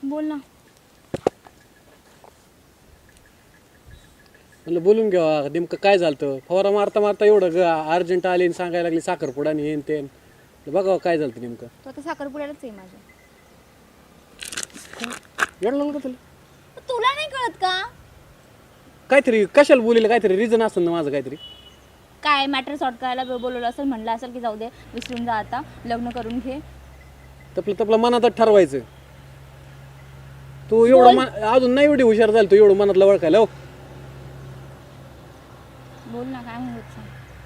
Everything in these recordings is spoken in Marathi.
बोल ना. म्हणलं बोलून घ्यावा नेमकं काय झालं. फवारा मारता मारता एवढं अर्जंट आले आणि सांगायला लागली साखरपुडा आणि हेन तेन. बघावं काय झालं नेमकं. तो आता साखरपुड्यालाच आहे माझ्या. एवढं लागलं का तुला? तुला नाही कळत का? काहीतरी कशाला बोलीला काहीतरी रिझन असेल ना माझं काहीतरी. काय मॅटर सॉर्ट करायला बोलवलं असेल, म्हणलं असेल की जाऊ दे विसरून जा आता, लग्न करून घे. तपलं मनातच ठरवायचं. तू एवढं अजून नाही एवढी हुशार झाली तू एवढं मनातलं ओळखायला. हो बोल ना, काय म्हणत.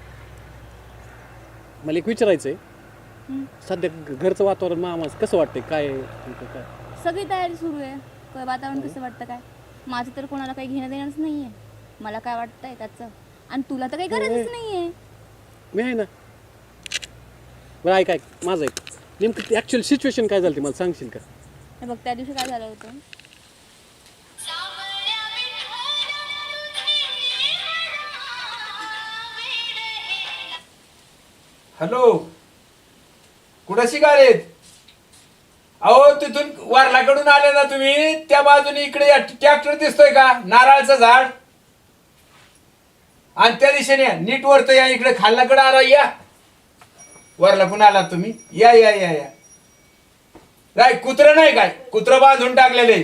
मला एक विचारायचंय. सध्या घरचं वातावरण मामाच कसं वाटतंय काय काय? सगळी तयारी सुरू आहे. काय वातावरण कसं वाटतं काय? माझं तर कोणाला काही घेणं देणंच नाहीये. मला काय वाटतंय त्याचं, आणि तुला तर काही गरजच नाहीये. मी आहे ना. बरं ऐक माझं ऐक. नेमकं ऍक्च्युअल सिच्युएशन काय झाली मला सांगशील का? हे बघ, त्या दिवशी काय झालं होतं. हॅलो, कुठं शिकालेत? अहो तिथून वारलाकडून आले ना तुम्ही, त्या बाजूने इकडे ट्रॅक्टर दिसतोय का, नारळाचं झाड, आणि त्या दिशेने नीट वरत या, इकडे खालनाकडे आला या. वारलाकडून आला तुम्ही, या या या या. काय कुत्र नाही काय? कुत्र बांधून टाकलेले.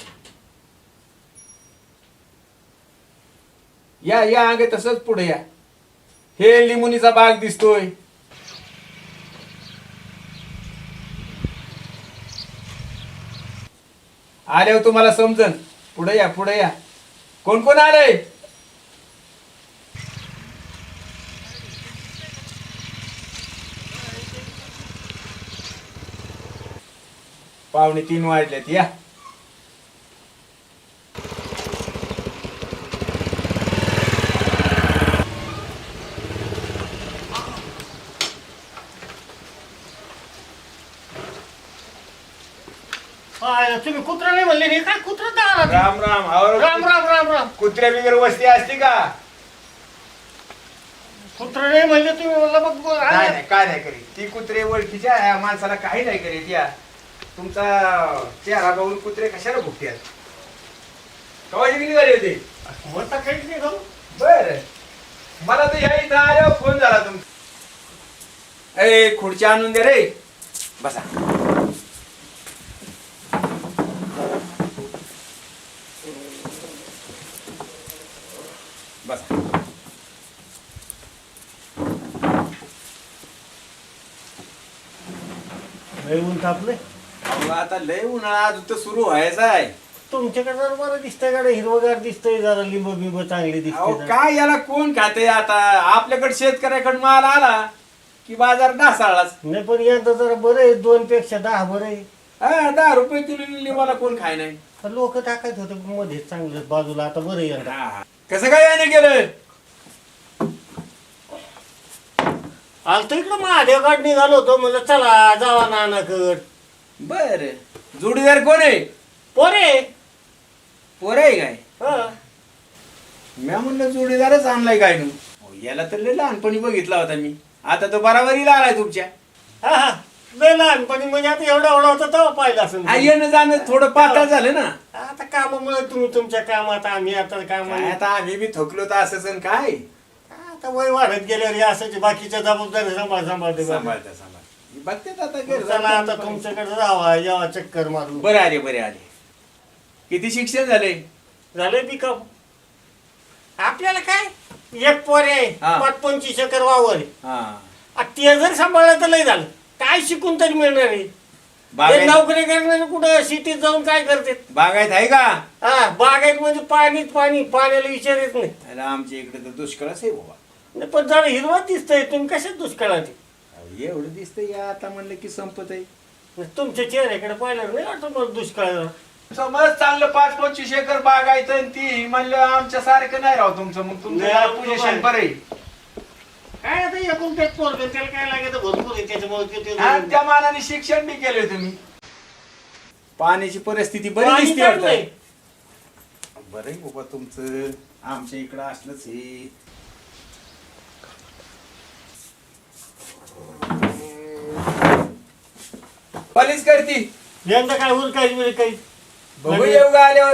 या या आगे तसंच पुढे या. हे लिंबुनीचा बाग दिसतोय. आल्यावर तुम्हाला समजन. पुढे या पुढे या. कोण कोण आलंय? पावणे 3 वाजलेत. या तुम्ही कुत्रा नाही म्हणले नाही काय? कुत्रा तर राम राम. राम राम राम राम. कुत्र्या बिगर वस्ती असती का? कुत्रा नाही म्हणले तुम्ही, मला बघ नाही नाही काय नाही करीत. ती कुत्रे ओळखीच्या ह्या माणसाला काही नाही करीत. या तुमचा चेहरा बघून कुत्रे कशाला भुकतात? कवाची किती झाली होती? म्हणता काहीच नाही करू. बर, मला तर ह्या इथं आल्यावर फोन झाला तुमचा. ए खुर्ची आणून दे रे. बसा. बसा. लय ऊन तापले. अहो, आता लय उन्हाळा अजून तर सुरू व्हायचा आहे. तुमच्याकडे जरा बरं दिसतंय गाडी, हिरवगार दिसतंय, जरा लिंब बिंब चांगली अहो दिसते. काय याला कोण खाते आता? आपल्याकडे शेतकऱ्याकडे माल आला की बाजार ढासाळाच. नाही पण यंदा जरा बरं आहे, 2 पेक्षा 10 बरं आहे. हा 10 रुपये किलो लिंबाला कोण खाय नाही. लोक टाकायच होते मध्ये चांगलं बाजूला, आता बरं आहे यंदा. कसं काय याने केलं? आलतो इकडं महादेवगड निघालो होतो, म्हणलं चला जावा नानाकड. बर, जोडीदार कोण आहे? पोरे. पोर आहे काय? हा. मी म्हणलं जोडीदारच आणलाय काय नू. याला तर लय लहानपणी बघितला होता मी. आता तो बराबरीला आलाय तुमच्या. हा हा. लय लहानपणी म्हणजे आता एवढा होता तेव्हा पाहिलं असेल. येणं जाणं थोडं पातळ झालं ना. आता कामामुळे तुम्ही तुमच्या कामात, आम्ही आता काय कामात. आता आम्ही बी थकलो तर असं काय. आता वय वाढत गेल्यावर हे असायची बाकीच्या जबाबदारी सांभाळते. सांभाळता बघते आता घर. चला आता तुमच्याकडे जावा, यावा चक्कर मारू. बरे आले बरे आले. किती शिक्षण झाले? झाले पिकअप. आपल्याला काय, एक पोरे हा. 25 एकर वावर आहे. हा ते जर सांभाळलं तर लय झालं. काय शिकून तरी मिळणार आहे? हे नोकरी करणारे कुठं सिटीत जाऊन काय करते? बागायत आहे का? हा, बागायत म्हणजे पाणीच पाणी, पाण्याला विचार येत नाही. अरे आमच्या इकडे तर दुष्काळच आहे बाबा. नाही, पण जरा हिरवा दिसतंय. तुम्ही कशात दुष्काळाचे? एवढं दिसतंय या आता म्हणलं की संपत आहे. तुमच्या चेहऱ्याकडे पाहिलं नाही वाटत मला दुष्काळ. समज चांगलं 5-25 एकर बागायचं आणि ती म्हणलं आमच्या सारखं नाही राव तुमचं. मग तुमचं पोझिशन बरं आहे. काय आता एकूण तेच पोरगं, त्याला काय लागायचं भरपूर आहे त्याच्यामुळे. आणि त्या मानाने शिक्षण बी केलंय तुम्ही. पाण्याची परिस्थिती बरी दिसते वाटतं. बरं आहे बाबा तुमचं. आमच्या इकडं असलंच हे. पलीच करती यंदा काय उरकायची म्हणजे काही बघू येऊ का आल्यावर.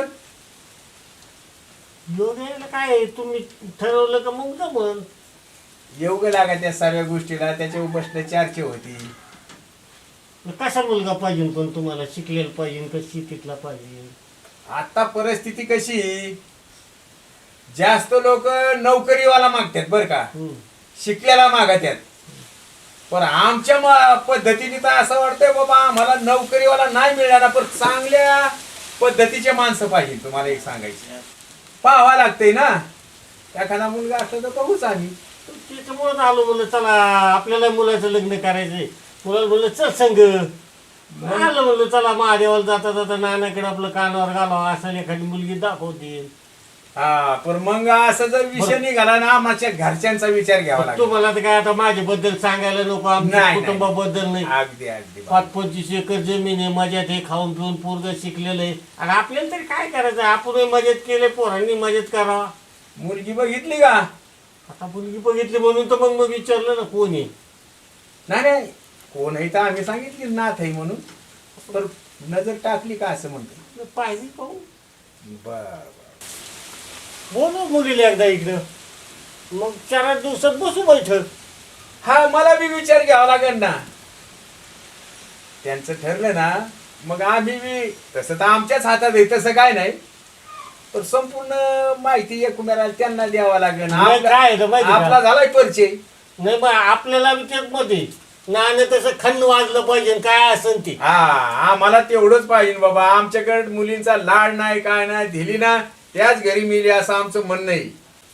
योग यायला काय आहे? तुम्ही ठरवलं का मग जमन. येऊ ग लागा त्या सर्व गोष्टीला, त्याच्यावर बसणं चर्चा होती. कसा मुलगा पाहिजे पण तुम्हाला? शिकलेला पाहिजे का शेतीतला पाहिजे? आता परिस्थिती कशी, जास्त लोक नोकरीवाला मागतात बर का, शिकलेला मागतात. पण आमच्या पद्धतीने तर असं वाटतंय बाबा आम्हाला नोकरीवाला नाही मिळणार, पण चांगल्या पद्धतीचे माणसं पाहिजे. तुम्हाला एक सांगायचं पाहावा लागतंय ना, एखादा मुलगा असला तर बघूच आम्ही. त्याच्यामुळेच आलो म्हणलं चला आपल्याला मुलाचं लग्न करायचंय. मुलाला म्हणलं चल संग आलं म्हणलं चला महादेवाला जाता जाता नानाकडे आपलं कानावर घालावं असं एखादी मुलगी दाखवते. हा पण मग असं जर विषय निघाला ना, आमच्या घरच्यांचा विचार घ्यावा लागतो. तुम्हाला तर काय आता माझ्याबद्दल सांगायला नको, आमच्या नाही, कुटुंबाबद्दल नाही. अगदी अगदी 5-25 एकर जमीन आहे, मजात हे खाऊन पिऊन पोरग शिकलेलं आहे. आणि आपल्याला तरी काय करायचं? आपण मजेत केले, पोरांनी मजेत करावा. मुलगी बघितली का? आता मुलगी बघितली म्हणून तर मग विचारलं ना कोण आहे. नाही कोण आहे तर आम्ही सांगितली नाथ आहे म्हणून, तर नजर टाकली का असं म्हणतो. पाहिजे पाहू. बर बोलू मुलीला एकदा इकडं, मग 4 दिवसात बसू बैठक. हा मला बी विचार घ्यावा लागेल ना. त्यांचं ठरलं ना मग आम्ही बी, तसं तर आमच्याच हातात आहे तसं काय नाही, पण संपूर्ण माहिती एकमेकाला त्यांना द्यावा लागेल. नाही, काय आहे तर माहिती का? आपला झालाय परिचय. नाही बा आपल्याला तेच मध्ये नाणं तसं खंड वाजलं पाहिजे काय असेल ते. हा आम्हाला तेवढंच पाहिजे बाबा. आमच्याकडे मुलींचा लाड नाही काय नाही, दिली ना त्याच घरी मिली असं आमचं म्हणणं आहे.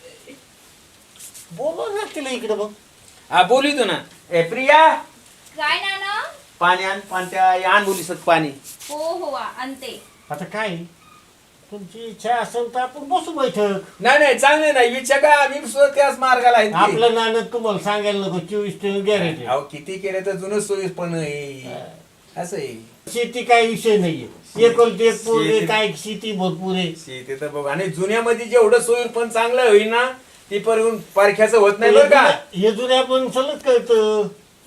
बोलू ना तिला इकडं बघ. हा बोलितो ना. ए प्रिया, काय नाना? पाणी आण, आण मुलीसत पाणी. हो आणते. आता काय तुमची इच्छा असेल तर आपण बसू बैठक. नाही चांगले नाही विचार का, आम्ही सुद्धा त्याच मार्गाला आहे. आपलं नाणं तुम्हाला सांगायला नको, 24 गॅरेंटी. अहो किती केलं तर जुनं सोयीस पण आहे. असं आहे. शेती काय विषय नाहीये, एकोलते एक पोरगे काय शेती भरपूर आहे. शेती तर बघ, आणि जुन्यामध्ये जेवढं सोयीर पण चांगलं होईल ना ती पण पारख्याचं होत नाही बरं का. हे जुन्या पण सलग कळतं.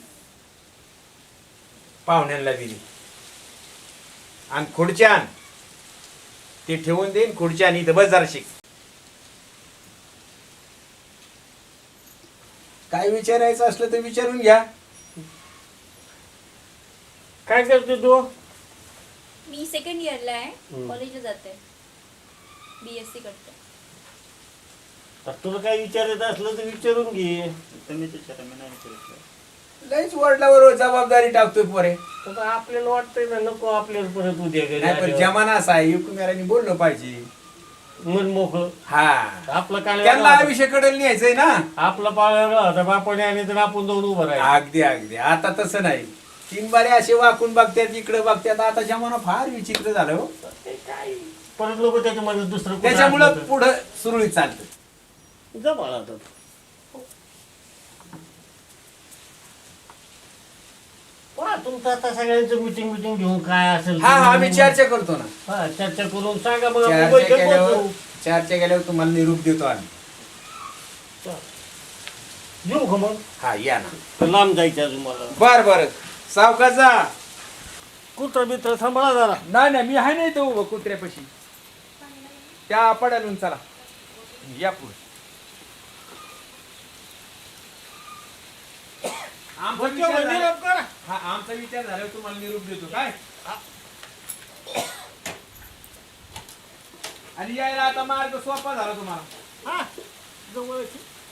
पाहुण्यांना दिली आणि खुर्च्या आण, ते ठेवून देईन खुर्च्या आणि इथं बस जरा शिक. काय विचारायचं असलं तर विचारून घ्या. काय करते तू? मी सेकंड इयरला आहे, कॉलेजला जाते, BSc करते. तर तुला काय विचारायचं असलं तर विचारून घे. लईच वडिलावर जबाबदारी टाकतोय पोरे. आता आपल्याला वाटतंय ना नको आपल्याला परत उद्या घरी नाही पण आल्यावर. जमाना असा आहे, एकमेकांनी बोललं पाहिजे. मन मोकळं. हा आपला काय त्यांना आयुष्य कडे न्यायचंय ना. आपला पाळायला होता बापाने आणि तर आपण जाऊन उभं राहिलो. अगदी आता तसं नाही. 3 बारे असे वाकून बघतात, इकडे बघतात. आता जमाना फार विचित्र झालं हो. ते काय परत लोक त्याच्यामध्ये दुसरं कुठं त्याच्यामुळं आणलं पुढं सुरळीत चालतं. तर जा बाळा आता. पहा तुमचं आता सगळ्यांचं मिटिंग घेऊन काय असेल हा आम्ही चर्चा करतो ना. हा चर्चा करून सांगा मग आपण चर्चा बैठक केल्यावर बसवू. तुम्हाला निरूप देतो आम्ही. येऊ का मग? हा या ना. तर लांब जायचं अजून मला. बर सावकाश जा. कुत्रा बित्र सांभाळा जरा. नाही मी आहे नाही तो उभं कुत्र्यापाशी. त्या पडालून चला या पुढे. आमचा विचार झाल्यावर तुम्हाला निरूप देतो काय. आणि यायला आता मार्ग सोपा झाला तुम्हाला. हा जवळच.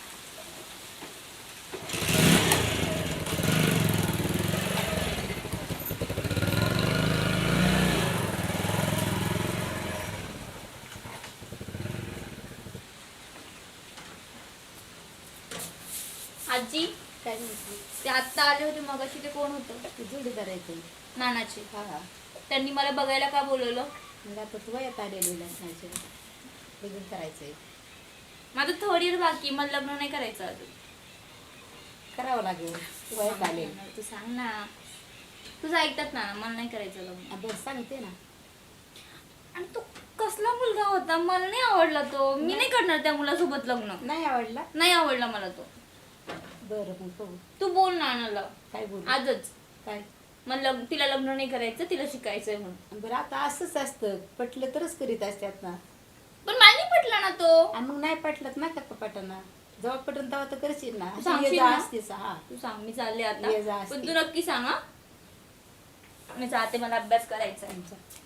आजी काय म्हटली? ते आत्ता आले होते मगाशी, ते कोण होतं? ते जोडी करायचं. नानाचे. हा त्यांनी मला बघायला का बोलवलं? मग आता तू वयात आलेली लग्नाचे लग्न करायचंय. माझं थर्ड इयर बाकी, मला लग्न नाही करायचं अजून. करावं लागेल. तू वयात आले. तू सांग ना. तुझं ऐकतात ना, मला नाही करायचं लग्न. बरं सांगते ना. आणि तो कसला मुलगा होता, मला नाही आवडला तो. मी नाही करणार त्या मुलासोबत लग्न. नाही आवडला? नाही आवडला मला तो. बरं मग बघू. तू बोल नानाला काय बोलू? आजच. काय? मला तिला लग्न नाही करायचं, तिला शिकायचंय म्हणून. बरं आता असंच असतं, पटलं तरच करीत असतात ना. पण मला नाही पटलं ना तो. आणि मग नाही पटलं ना का पटाना, जेव्हा पटन तेव्हा तर करशील ना. अशी सांगशील ये जा ना? असतेच, हा. तू सांग, मी चालले ये जा आता. असते. पण तू नक्की सांग हा. मी जाते, मला अभ्यास करायचा आहे आमचा.